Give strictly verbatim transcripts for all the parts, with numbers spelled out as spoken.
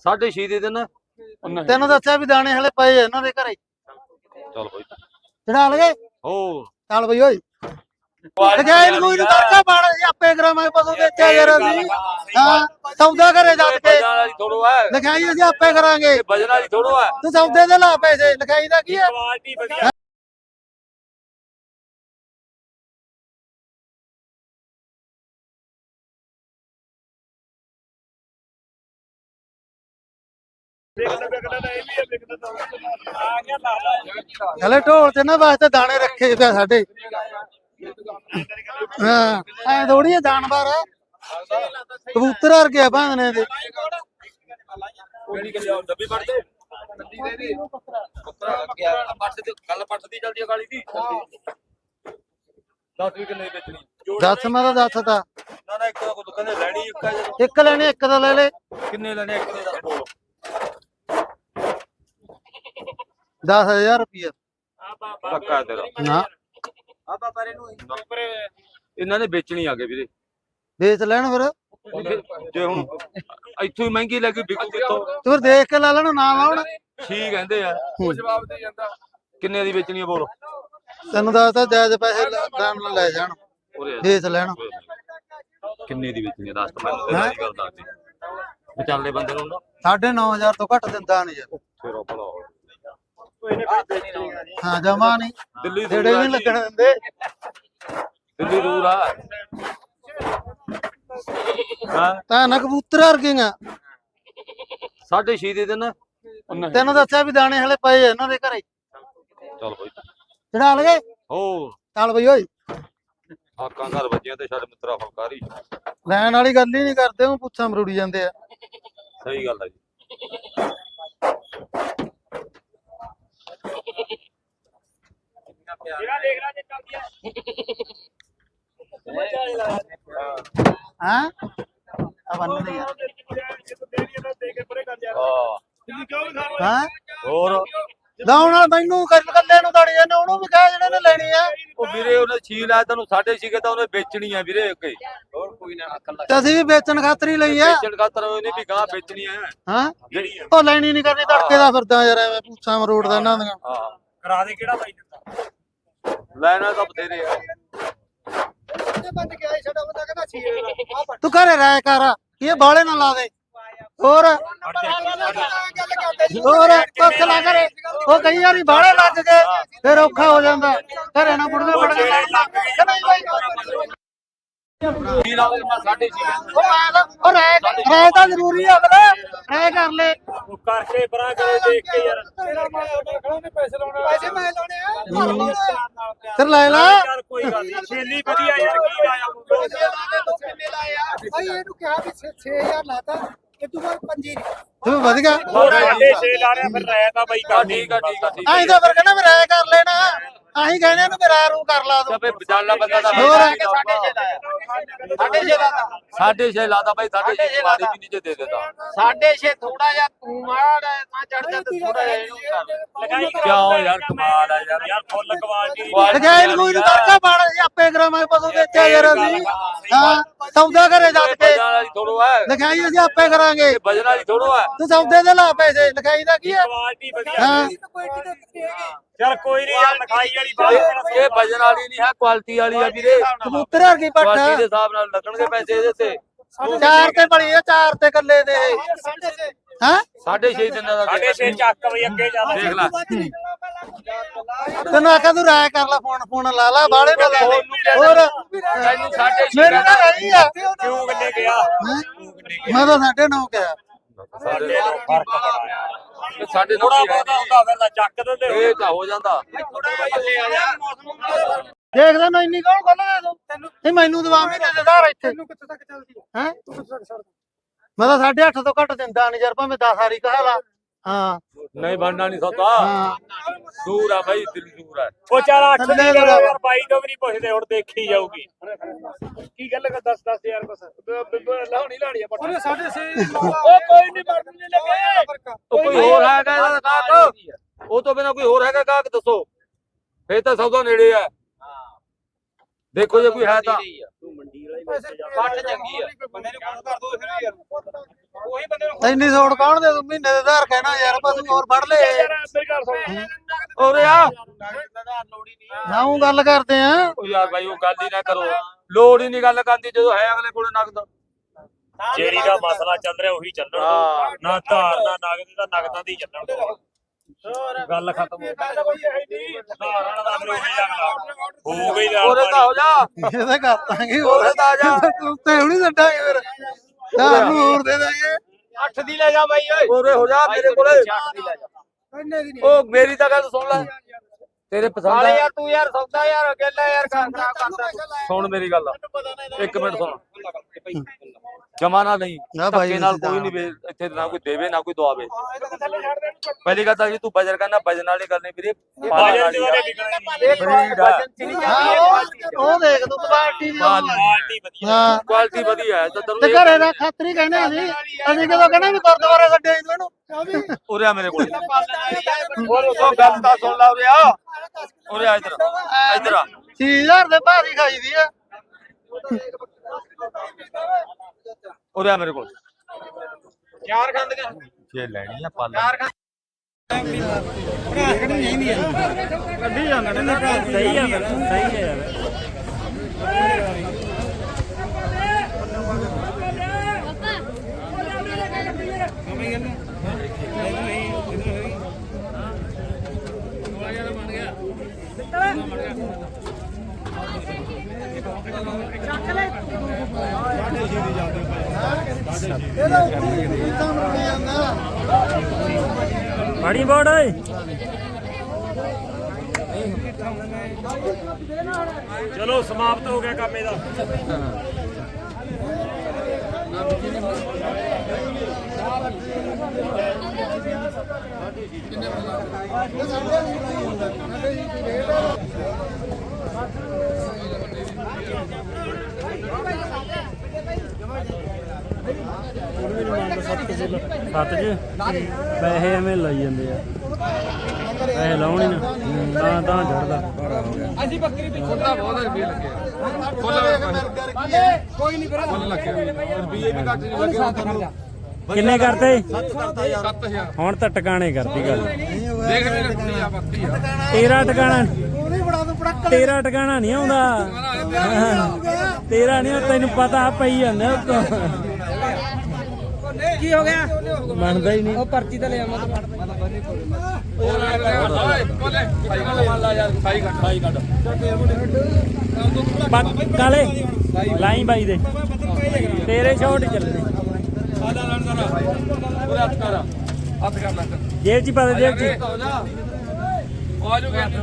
साढ़े छे दे देना तेन दस्या भी दाने हले पे इन्हों के घरे चल भाई चढ़ा लगे हो चल बई ओए आपे करावे पशु बेचा यार हाँ सौदा घरे जाके थोड़ो है लिखाई असीं आपे करांगे वजन वाली थोड़ो है तू सौदे दे ला पैसे लिखाई दा की है हले ढोल च ना वास्ते दाने रखे पे साडे हाँ ऐ थोड़ी जानवर है कबूतर हर गया भांदने दे दस मैं तो दस था एक लेने एक दा ले ले किन्ने लेने एक ने दस बोल दस हजार रुपया पक्का है तेरा ना ਇਹਨਾਂ ਨੇ ਵੇਚਣੀ ਆ ਗਏ ਵੀਰੇ बेच लैन फिर ਜੇ ਹੁਣ ਇੱਥੋਂ ਹੀ ਮਹਿੰਗੀ ਲੱਗੀ ਵਿਕੂ ਕਿੱਥੋਂ तू फिर देख के ला लेना ना लाउण ਠੀਕ ਕਹਿੰਦੇ ਆ ਉਹ ਜਵਾਬ ਦੇ ਜਾਂਦਾ ਕਿੰਨੇ ਦੀ ਵੇਚਣੀ ਆ ਬੋਲ तेन दसता जायज पैसे दाम ले जान बेच लैन ਕਿੰਨੇ ਦੀ ਵੇਚਣੀ ਆ ਦੱਸ ਤਾਂ ਮੈਨੂੰ ਤੇਰੀ ਗੱਲ ਦੱਸ ਦੇ ਵਿਚਾਲੇ ਬੰਦੇ ਨੂੰ ਨਾ साढ़े नौ हजार तो घट दिंदा नहीं यार ਤੇਰਾ ਭਲਾ हाँ जमा नहीं ਦਿੱਲੀ जेड़े नहीं लगन दिंदे ਦਿੱਲੀ ਦੂਰ ਆ ਹਾਂ ता ना कबूतर हर गईया साढ़े छे दे देना तेन दस्या भी दाने हले पे इन्हों के घरे चल भाई चढ़ा लगे हो चल बई ओए ਹਾਕਾਂ ਘਰ ਵੱਜੀਆਂ ਤੇ ਸਾਡੇ ਮਿੱਤਰਾ ਫਲਕਾਰੀ लैन वाली गल ही नहीं करते हूं पुछा मरुड़ी जाते ਸਹੀ ਗੱਲ ਹੈ ਜੀ हाँ बन दे यार हाँ ਹੋਰ लाउण वाल मैनू कल्ले नूं दड़ी जाने ओनू भी कह जेड़े ने लेनी है ਉਹ ਵੀਰੇ ਉਹਨੇ ਛੀ ਲਾਇਆ ਤੈਨੂੰ ਸਾਢੇ ਛੇ ਤਾਂ ਉਹਨੇ ਵੇਚਣੀ ਆ ਵੀਰੇ ਅੱਗੇ ਹੋਰ ਕੋਈ ਨਾ ते असीं भी बेचण खातर ही लई है ਵੇਚਣ ਖਾਤਰ ਉਹਨੇ ਵੀ ਗਾਂ ਵੇਚਣੀ ਆ हाँ ਜਿਹੜੀ ओ लेनी नहीं करनी तड़के दा फिरदा यार एवें पुछा मरोड़ दा इन्हां दियां ਹਾਂ ਕਰਾ ਦੇ ਕਿਹੜਾ ਬਾਈ ਦਿੱਤਾ ਲੈਣਾ ਤਾਂ ਬਥੇਰੇ ਆ तू घरे राय कर ये बाले ना ला दे और और कुछ ला करे ओ कई बारी बाले लग गए फिर औखा हो जांदा घरे ना बुढ़े बड़े ਕੀ ਲਾਵੇ ਮੈਂ ਸਾਢੇ ਛੇ ओ आला ओ राय राय ਤਾਂ ਜ਼ਰੂਰੀ ਹੈ ਅਗਲੇ ਰਾय ਕਰ ਲੈ ਉਹ ਕਰਕੇ ਪਰਾਂ ਕਰੇ ਦੇਖ ਕੇ ਯਾਰ ਪੈਸੇ ਮੈਂ ਲਾਉਣੇ ਆ ਫਿਰ ਲੈ ਲਾ ਯਾਰ ਕੋਈ ਗੱਲ ਨਹੀਂ ਛੇਲੀ ਵਧੀਆ ਯਾਰ ਕੀ ਲਾਇਆ ਭਾਈ ਇਹਨੂੰ ਕਿਹਾ ਵੀ ਛੇ ਹਜ਼ਾਰ ਲਾਤਾ ਇਹ ਤੂੰ ਬਾਅਦ ਪੰਜੀ ਤੂੰ ਵਧੀਆ ਸਾਢੇ ਛੇ ਲਾ ਰਿਹਾ ਫਿਰ ਰਾਇ ਤਾਂ ਬਾਈ ਕਰ ਠੀਕ ਆ ਠੀਕ ਆ ਠੀਕ ਆਹੀਂ ਤਾਂ ਫਿਰ ਕਹਿੰਦਾ ਮੈਂ ਰਾਇ ਕਰ ਲੈਣਾ ਆਹੀਂ ਕਹਿੰਦੇ ਇਹਨੂੰ ਰਾਇ ਰੂ ਕਰ ਲਾ ਤੂੰ ਤੇ ਵਿਚਾਲਾ ਬੰਦਾ ਦਾ ਹੋਰ ਸਾਢੇ ਛੇ ਲਾਇਆ ਸਾਢੇ ਛੇ ਲਾਦਾ ਬਾਈ ਸਾਢੇ ਛੇ ਮਾਰੀ ਵੀ ਨੀਚੇ ਦੇ ਦੇਦਾ ਸਾਢੇ ਛੇ ਥੋੜਾ ਜਿਹਾ ਤੂੰ ਮਾੜਾ ਨਾ ਚੜ ਜਾ ਤੇ ਥੋੜਾ ਜਿਹਾ ਇਹਨੂੰ ਕਰ ਕਿਉਂ ਯਾਰ ਕਮਾਲ ਆ ਯਾਰ ਯਾਰ ਫੁੱਲ ਕੁਆਲਿਟੀ ਲਗਾਇਲ ਕੋਈ ਨੂੰ ਤੜਕਾ ਪਾੜ ਆਪੇ ਕਰਾਵਾਂਗੇ ਪਸ਼ੂ ਵੇਚਿਆ ਯਾਰ ਅਸੀਂ ਹਾਂ ਸੌਦਾ ਘਰੇ ਜਾ ਕੇ ਵਜਨ ਵਾਲੀ ਥੋੜੋ ਹੈ ਲਿਖਾਈ ਅਸੀਂ ਆਪੇ ਕਰਾਂਗੇ ਵਜਨ ਵਾਲੀ ਥੋੜੋ ਹੈ ਤੂੰ ਸੌਦੇ ਦੇ ਲਾ ਪੈਸੇ ਲਿਖਾਈ ਦਾ ਕੀ ਹੈ ਕੁਆਲਿਟੀ ਵਧੀਆ ਹਾਂ ਚਲ ਕੋਈ ਨਹੀਂ ਯਾਰ ਲਿਖਾਈ ਵਾਲੀ ਬਾਤ ਇਹ ਵਜਨ ਵਾਲੀ ਨਹੀਂ ਹੈ ਕੁਆਲਿਟੀ ਵਾਲੀ ਆ ਵੀਰੇ ਕਬੂਤਰ ਹਰ ਕੀ ਪੱਟ ਕੁਆਲਿਟੀ ਦੇ ਹਿਸਾਬ ਨਾਲ ਲੱਗਣਗੇ ਪੈਸੇ ਇਹਦੇ ਤੇ ਚਾਰ ਤੇ ਬਣੀ ਆ ਚਾਰ ਤੇ ਕੱਲੇ ਦੇ ਹਾਂ ਸਾਢੇ ਛੇ ਦਿਨਾਂ ਦਾ ਸਾਢੇ ਛੇ ਚੱਕ ਬਈ ਅੱਗੇ ਚੱਲ ਦੇਖ ਲੈ ਤੈਨੂੰ ਆਖਿਆ ਤੂੰ ਰਾਇ ਕਰ ਲੈ ਫੋਨ ਫੋਨ ਲਾ ਲਾ ਬਾਲੇ ਨਾ ਲਾ ਹੋਰ ਤੈਨੂੰ ਸਾਢੇ ਛੇ ਮੇਰੇ ਨਾਲ ਰਹੀ ਆ ਕਿਉਂ ਕਿੰਨੇ ਗਿਆ ਹੈਂ? ਮੈਂ ਤਾਂ ਸਾਢੇ ਨੌ ਕਿਹਾ ਸਾਡੇ ਨਾਲ ਫਰਕ ਬੜਾ ਯਾਰ ਸਾਡੇ ਥੋੜਾ ਬਹੁਤਾ ਹੁੰਦਾ ਫਿਰ ਤਾਂ ਚੱਕ ਦਿੰਦੇ ਇਹ ਤਾਂ ਹੋ ਜਾਂਦਾ ਦੇਖਦਾ ਮੈਂ ਇੰਨੀ ਕੌਣ ਖੋਲ ਦੇ ਤੂੰ ਨਹੀਂ ਮੈਨੂੰ ਦਵਾ ਮਹੀਨੇ ਦੇ ਦਾਰ ਇੱਥੇ ਤੈਨੂੰ ਕਿੱਥੇ ਤੱਕ ਚੱਲਦੀ ਹੈ ਮੈਂ ਤਾਂ ਸਾਢੇ ਅੱਠ ਤੋਂ ਘੱਟ ਦਿੰਦਾ ਨਹੀਂ ਯਾਰ ਭਾਵੇਂ ਦਸ ਵਾਰੀ ਕਹਾ ਲਾ ਹਾਂ ਨਹੀਂ ਬਣਨਾ ਨਹੀਂ ਸੌਦਾ ਹਾਂ ਦੂਰ ਆ ਬਾਈ ਦਿੱਲੀ ਦੂਰ ਆ ਉਹ ਚਾਰ ਅੱਠ ਥੱਲੇ ਦੀ ਬਰਾਬਰ। ਯਾਰ ਬਾਈ ਤੋਂ ਵੀ ਨਹੀਂ ਪੁੱਛਦੇ ਹੁਣ ਦੇਖੀ ਜਾਊਗੀ ਕੀ ਗੱਲ ਕਰ ਦਸ ਦਸ ਯਾਰ ਕੁਛ ਲਾਉਣੀ ਲਾਣੀ ਆ ਪੱਟ ਸਾਢੇ ਛੇ ਉਹ ਕੋਈ ਨਹੀਂ ਮਰਨ ਨਹੀਂ ਲੱਗੇ ਉਹ ਕੋਈ ਹੋਰ ਹੈਗਾ ਇਹਦਾ ਕਾਕ ਉਹ ਤੋਂ ਬਿਨਾ ਕੋਈ ਹੋਰ ਹੈਗਾ ਕਾਕ ਦੱਸੋ ਫੇਰ ਤਾਂ ਸੌਦਾ ਨੇੜੇ ਆ ਦੇਖੋ ਜੇ ਕੋਈ ਹੈ ਤਾਂ ਤੂੰ ਮੰਡੀ ਵਾਲੀ ਪੱਟ ਚੰਗੀ ਆ ਬੰਦੇ ਨੂੰ ਫੋਨ ਕਰ ਦੋ ਫਿਰ ਯਾਰ ਉਹੀ ਬੰਦੇ ਨੂੰ ਇੰਨੀ ਸੋੜ ਕੌਣ ਦੇ ਦੂ ਮਹੀਨੇ ਦੇ ਧਾਰ ਕਹਿਣਾ ਯਾਰ ਬਸ ਹੋਰ ਫੜ ਲੈ ਮੇਰੀ ਗੱਲ ਸੁਣ ਓਰੇ ਆ ਲੋੜ ਹੀ ਨਹੀਂ ਨਾ ਉਹ ਗੱਲ ਕਰਦੇ ਆ ਉਹ ਯਾਰ ਬਾਈ ਉਹ ਗੱਲ ਹੀ ਨਾ ਕਰੋ ਲੋੜ ਹੀ ਨਹੀਂ ਗੱਲ ਕਰਦੀ ਜਦੋਂ ਹੈ ਅਗਲੇ ਕੋਲੇ ਨਗਦ ਜਿਹੜੀ ਦਾ ਮਸਲਾ ਚੱਲ ਰਿਹਾ ਉਹੀ ਚੱਲਣ ਹਾਂ। ਦੋ ਨਾ ਧਾਰ ਨਾ ਨਗਦ ਦਾ ਨਗਦਾਂ ਦੀ ਚੱਲਣ ਦੋ ਗੱਲ ਖਤਮ ਹੋ ਤਾਂ ਕੋਈ ਹੈ ਨਹੀਂ ਧਾਰਾਂ ਦਾ ਫਿਰ ਉਹੀ ਅਗਲਾ ਹੋ ਗਈ ਨਾਲ ਓਰੇ ਤਾਂ ਹੋ ਜਾ ਇਹਦਾ ਕਰ ਦਾਂਗੇ ਓਰੇ ਤਾਂ ਆ ਜਾ ਤੂੰ ਤੇ ਹੁਣੀ ਛੱਡਾਂਗੇ ਫਿਰ ਧਾਰ ਨੂੰ ਹੋਰ ਦੇ ਦਾਂਗੇ ਅੱਠ ਦੀ ਲੈ ਜਾ ਬਾਈ ਓਏ ਓਰੇ ਹੋ ਜਾ ਮੇਰੇ ਕੋਲੇ ਅੱਠ ਦੀ ਲੈ ਜਾ ਉਹ ਮੇਰੀ ਤਾਂ ਗੱਲ ਸੁਣ ਲੈ ਤੇਰੇ ਪਸੰਦ ਨਾਲੇ ਆ ਯਾਰ ਤੂੰ ਯਾਰ ਸੌਦਾ ਯਾਰ ਅਕੇਲਾ ਯਾਰ ਕੰਮ ਖਰਾਬ ਕਰਦਾ ਸੁਣ ਮੇਰੀ ਗੱਲ ਇੱਕ ਮਿੰਟ ਸੁਣ ਜਮਾਨਾ ਨਹੀਂ ਨਾ ਬਾਈ ਧੱਕੇ ਨਾਲ ਅਸੀਂ ਤਾਂ- ਕੋਈ ਨਹੀਂ ਵੇ- ਇੱਥੇ ਨਾ ਕੋਈ ਦੇਵੇ ਨਾ ਕੋਈ ਦਵਾਵੇ ਪਹਿਲੀ ਗੱਲ ਤਾਂ ਜੀ ਤੂੰ ਬਜਰ ਕਰਨਾ ਬਜਨ ਵਾਲੀ ਗੱਲ ਨਹੀਂ ਵੀਰੇ ਬਾਜਨ ਦੇ ਬਾਰੇ ਵਿਕਣਾ ਨਹੀਂ ਵਜਨ ਚ ਨਹੀਂ ਹਾਂ ਜਾਂਦੀ ਉਹ ਉਹ ਦੇਖ ਤੂੰ ਪਾਰਟੀ ਦੀ ਉਹ। ਕੁਆਲਿਟੀ ਵਧੀਆ ਹਾਂ ਕੁਆਲਿਟੀ ਵਧੀਆ ਹੈ ਤਾਂ ਤੇ ਤੈਨੂੰ ਘਰੇ ਦਾ ਖਾਤਰ ਹੀ ਕਹਿੰਦੇ ਅਸੀਂ ਅਸੀਂ ਕਦੋਂ ਕਹਿੰਦੇ ਵੀ ਗੁਰਦੁਆਰੇ ਛੱਡਿਆ ਸੀ ਇਹਨੂੰ ਉਰੇ ਆ ਮੇਰੇ ਕੋਲ ਹੋਰ ਉਹ ਗੱਲ ਤਾਂ ਸੁਣ ਲਾ ਉਰੇ ਆ ਉਰੇ ਆ ਇੱਧਰ ਇੱਧਰ ਆ ਛੇ ਹਜ਼ਾਰ ਦੇ ਭਾਰੀ ਖਾਈ ਦੀ ਆ ਉਰੇ ਆ ਮੇਰੇ ਕੋਲ ਚਾਰ ਖੰਡ ਕੇ ਜੇ ਲੈਣੀ ਆ ਪਾਲ ਚਾਰ ਖੰਡ ਸਹੀ ਆ ਫਿਰ ਸਹੀ ਹੈ ਯਾਰ ਬੜੀ ਬੋੜ ਓਏ ਚਲੋ ਸਮਾਪਤ ਹੋ ਗਿਆ ਕੰਮ ਇਹਦਾ ਸੱਤ ਚ ਪੈਸੇ ਐਵੇਂ ਲਈ ਜਾਂਦੇ ਆ ਪੈਸੇ ਲਾਉਣ ਹੀ ਨਾ ਤਾਂ ਤਾਂ ਝੜਦਾ ਅਸੀਂ ਬੱਕਰੀ ਪਿੱਛੇ ਦਾ ਬਹੁਤ ਰੁਪਏ ਲੱਗੇ ਕੋਈ ਨਹੀਂ ਫਿਰ ਫੁੱਲ ਲੱਗੇ ਰੁਪਏ ਵੀ ਘੱਟ ਨਹੀਂ ਲੱਗੇ ਤੁਹਾਨੂੰ ਕਿੰਨੇ ਕਰਤੇ ਸੱਤ ਹਜ਼ਾਰ ਹੁਣ ਤਾਂ ਟਿਕਾਣੇ ਕਰਤੀ ਗੱਲ ਦੇਖ ਵੀ ਰੱਖਣੀ ਆ ਬੱਕਰੀ ਆ ਤੇਰਾ ਟਿਕਾਣਾ ਉਹਨੇ ਬੜਾ ਤੂੰ ਪੜਕ ਤੇਰਾ ਟਿਕਾਣਾ ਨਹੀਂ ਆਉਂਦਾ ਤੇਰਾ ਨਹੀਂ ਤੈਨੂੰ ਪਤਾ ਪਈ ਜਾਂਦਾ ਉੱਤੋਂ ਕੀ ਹੋ ਗਿਆ ਮੰਨਦਾ ਹੀ ਨਹੀਂ ਉਹ ਪਰਚੀ ਤਾਂ ਲੈ ਆਵਾਂ ਓਏ ਬੋਲੇ ਭਾਈ ਕੱਢ ਮੰਨ ਲਾ ਯਾਰ ਭਾਈ ਕੱਢ ਭਾਈ ਕੱਢ ਪੱਕ ਕਾਲੇ ਲਾਈ ਬਾਈ ਦੇ ਤੇਰੇ ਸ਼ਾਟ ਚੱਲਣੇ ਆਦਾ ਲੜਦਾ ਉਰੇ ਹੱਥ ਕਰ ਹੱਥ ਕਰ ਲੈ ਜੇਬ ਚ ਪਾ ਦੇ ਜੇਬ ਚ ਹੋ ਜਾ ਉਹ ਆਜੂ ਗਿਆ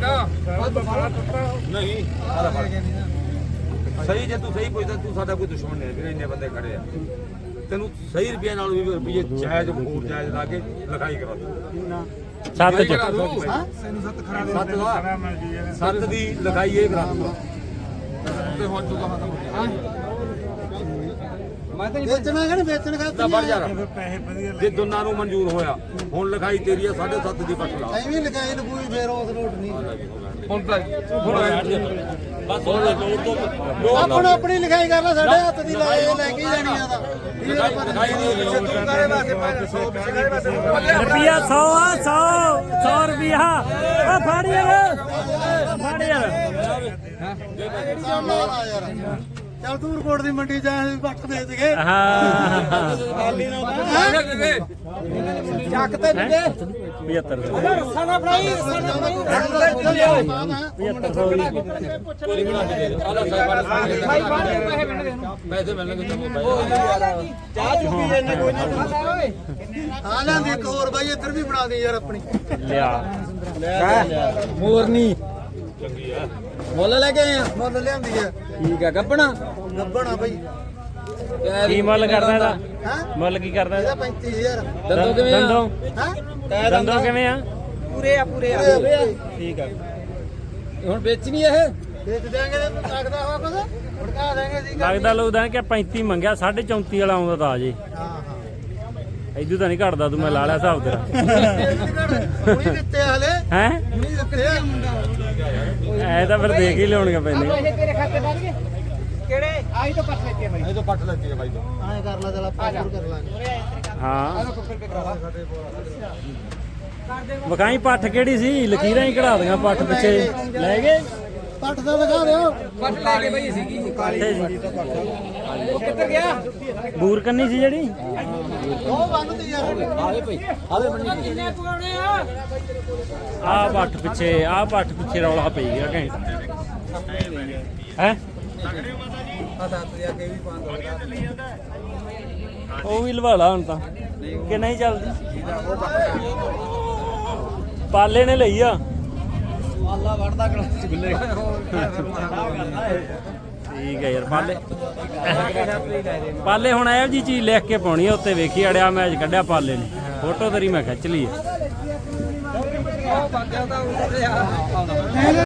ਨਹੀਂ ਸਹੀ ਜੇ ਤੂੰ ਸਹੀ ਪੁੱਛਦਾ ਤੂੰ ਸਾਡਾ ਕੋਈ ਦੁਸ਼ਮਣ ਨਹੀਂ ਵੀਰੇ ਇੰਨੇ ਬੰਦੇ ਖੜੇ ਆ ਤੈਨੂੰ ਸਹੀ ਰੁਪਏ ਨਾਲ ਵੀ ਰੁਪਏ ਜਾਇਜ਼ ਹੋਰ ਜਾਇਜ਼ ਲਾ ਕੇ ਲਿਖਾਈ ਕਰਾ ਦੇ ਸੱਤ ਚ ਸੱਤ ਦਾ ਸੱਤ ਦੀ ਲਿਖਾਈ ਇਹ ਕਰਾ ਦੂੰਗਾ ਤੇ ਹੁਣ ਤੂੰ ਕਹਾਂ ਮੈਂ ਤਾਂ ਵੇਚਣਾ ਕਿ ਨਹੀਂ ਵੇਚਣ ਤਾਂ ਖਾਤਰ ਵੱਧ ਜਾ ਜੇ ਦੋਨਾਂ ਨੂੰ ਮਨਜ਼ੂਰ ਹੋਇਆ ਹੁਣ ਲਿਖਾਈ ਤੇਰੀ ਆ ਸਾਢੇ ਸੱਤ ਦੀ ਪੱਟ ਲਾ ਐਵੇਂ ਲਗਾਈ ਲਗੂਈ ਫੇਰ ਉਸ ਰੋਟ ਨਹੀਂ ਹੁਣ ਤਾਂ ਬਸ ਹੁਣ ਲੋੜ ਤੋਂ ਆਪਣਾ ਆਪਣੀ ਲਿਖਾਈ ਕਰ ਲੈ ਸਾਡੇ ਹੱਥ ਦੀ ਲੈ ਲੈ ਕੇ ਜਾਣੀ ਆ ਤਾਂ ਲਿਖਾਈ ਨਹੀਂ ਪਿੱਛੇ ਤੂੰ ਕਰੇ ਵਾਸਤੇ ਰੁਪਿਆ ਸੌ ਆ ਸੌ ਸੌ ਰੁਪਿਆ ਆ ਫੜ ਯਾਰ ਫੜ ਯਾਰ ਯਾਰ ਚੱਲ ਤੂੰ ਰਿਪੋਰਟ ਦੀ ਮੰਡੀ ਜਾ ਵੱਟ ਦੇ ਦੇਗੇ ਹਾਂ ਚੱਕ ਤੇ ਨਿਕੇ ਪਝੱਤਰ ਸੌ ਰੱਸਾ ਨਾ ਫੜਾਈ ਰੱਸਾ ਨਾ ਫੜਾਈ ਪਝੱਤਰ ਸੌ ਦੀ ਕੋਈ ਬਣਾ ਕੇ ਦੇ ਆਲਾ ਭਾਈ ਬਾਹਰ ਦੇ ਪੈਸੇ ਮਿਲਣਗੇ ਪੈਸੇ ਮਿਲਣਗੇ ਤੈਨੂੰ ਚਾਹ ਚੁੱਕੀ ਜਾਂਦੇ ਕੋਈ ਨਾ ਓਏ ਆ ਲੈਂਦੀ ਇੱਕ ਹੋਰ ਬਾਈ ਇੱਧਰ ਵੀ ਬਣਾ ਦੇ ਯਾਰ ਆਪਣੀ ਲਿਆ ਮੋਰਨੀ ਮੁੱਲ ਲੈ ਕੇ ਆਏ ਆ ਮੁੱਲ ਲਿਆਂਦੀ ਆ ਠੀਕ ਆ ਗੱਬਣਾ ਗੱਬਣਾ ਬਾਈ ਕੀ ਮੁੱਲ ਕਰਦਾ ਇਹਦਾ ਹਾਂ ਮੁੱਲ ਕੀ ਕਰਦਾ ਇਹਦਾ ਇਹਦਾ ਪੈਂਤੀ ਹਜ਼ਾਰ ਦੰਦੋਂ ਕਿਵੇਂ ਆ ਦੰਦੋਂ ਹਾਂ ਦੰਦੋਂ ਕਿਵੇਂ ਆ ਪੂਰੇ ਆ ਪੂਰੇ ਆ ਠੀਕ ਆ ਹੁਣ ਵੇਚਣੀ ਇਹ ਵੇਚ ਦਿਆਂਗੇ ਤੇ ਲੱਗਦਾ ਹੋਇਆ ਕੁਝ ਭੜਕਾ ਦੇਾਂਗੇ ਸੀ ਲੱਗਦਾ ਲੋਦਾ ਕਿ ਪੈਂਤੀ ਮੰਗਿਆ ਸਾਢੇ ਚੌਂਤੀ ਵਾਲਾ ਆਉਂਦਾ ਤਾਂ ਆ ਜੇ ਹਾਂ ਹਾਂ ਇਦੋਂ ਤਾਂ ਨਹੀਂ ਘਟਦਾ ਤੂੰ ਮੈਂ ਲਾ ਲਿਆ ਹਿਸਾਬ ਤੇਰਾ ਕੋਈ ਦਿੱਤੇ ਹਲੇ ਹੈ ਨਹੀਂ ਦਿੱਤੇ ਆ ਐ ਤਾਂ ਫਿਰ ਦੇਖ ਹੀ ਲਿਆਉਣਗੇ ਪੈਂਦੇ ਇਹ ਤੇਰੇ ਖਾਤੇ ਵੱਧ ਗਏ ਕਿਹੜੇ ਆਈ ਤਾਂ ਪੱਟ ਲੈਤੀ ਹੈ ਬਾਈ ਇਹ ਤੋਂ ਪੱਟ ਲੈਤੀ ਹੈ ਬਾਈ ਤੋਂ ਐਂ ਕਰ ਲਾ ਚਲਾ ਪਾਪੂਰ ਕਰ ਲਾਂਗੇ ਹਾਂ ਵਿਖਾਈ ਪੱਠ ਕਿਹੜੀ ਸੀ ਲਕੀਰਾਂ ਹੀ ਕਢਾ ਦੀਆਂ ਪੱਠ ਪਿੱਛੇ ਲੈ ਗਏ ਪੱਟ ਦਾ ਦਿਖਾ ਦਿਓ ਪੱਟ ਲੈ ਕੇ ਬਈ ਸੀਗੀ ਕਾਲੀ ਉਹ ਕਿੱਧਰ ਗਿਆ ਬੂਰ ਕੰਨੀ ਸੀ ਜਿਹੜੀ ਉਹ ਬੰਨ ਤੇ ਯਾਰ ਆਲੇ ਭਾਈ ਆਲੇ ਮੰਨੀ ਆਹ ਪੱਠ ਪਿੱਛੇ ਆਹ ਪੱਠ ਪਿੱਛੇ ਰੌਲਾ ਪਈ ਗਿਆ ਘੈਂਟ ਹੈ ਉਹ ਵੀ ਲਵਾਲਾ ਹੁਣ ਤਾਂ ਕਿ ਨਹੀਂ ਚੱਲਦੀ ਪਾਲੇ ਨੇ ਲਈ ਆ ਅੱਲਾ ਵੜਦਾ ਕਲਾ ਗੁੱਲੇ ਠੀਕ ਹੈ ਯਾਰ ਪਾਲੇ ਪਾਲੇ ਹੁਣ ਇਹੋ ਜੀ ਚੀਜ਼ ਲਿਖ ਕੇ ਪਾਉਣੀ ਆ ਉੱਤੇ ਵੇਖੀ ਅੜਿਆ ਮੈਚ ਕੱਢਿਆ ਪਾਲੇ ਨੇ ਫੋਟੋ ਤੇਰੀ ਮੈਂ ਖਿੱਚ ਲਈ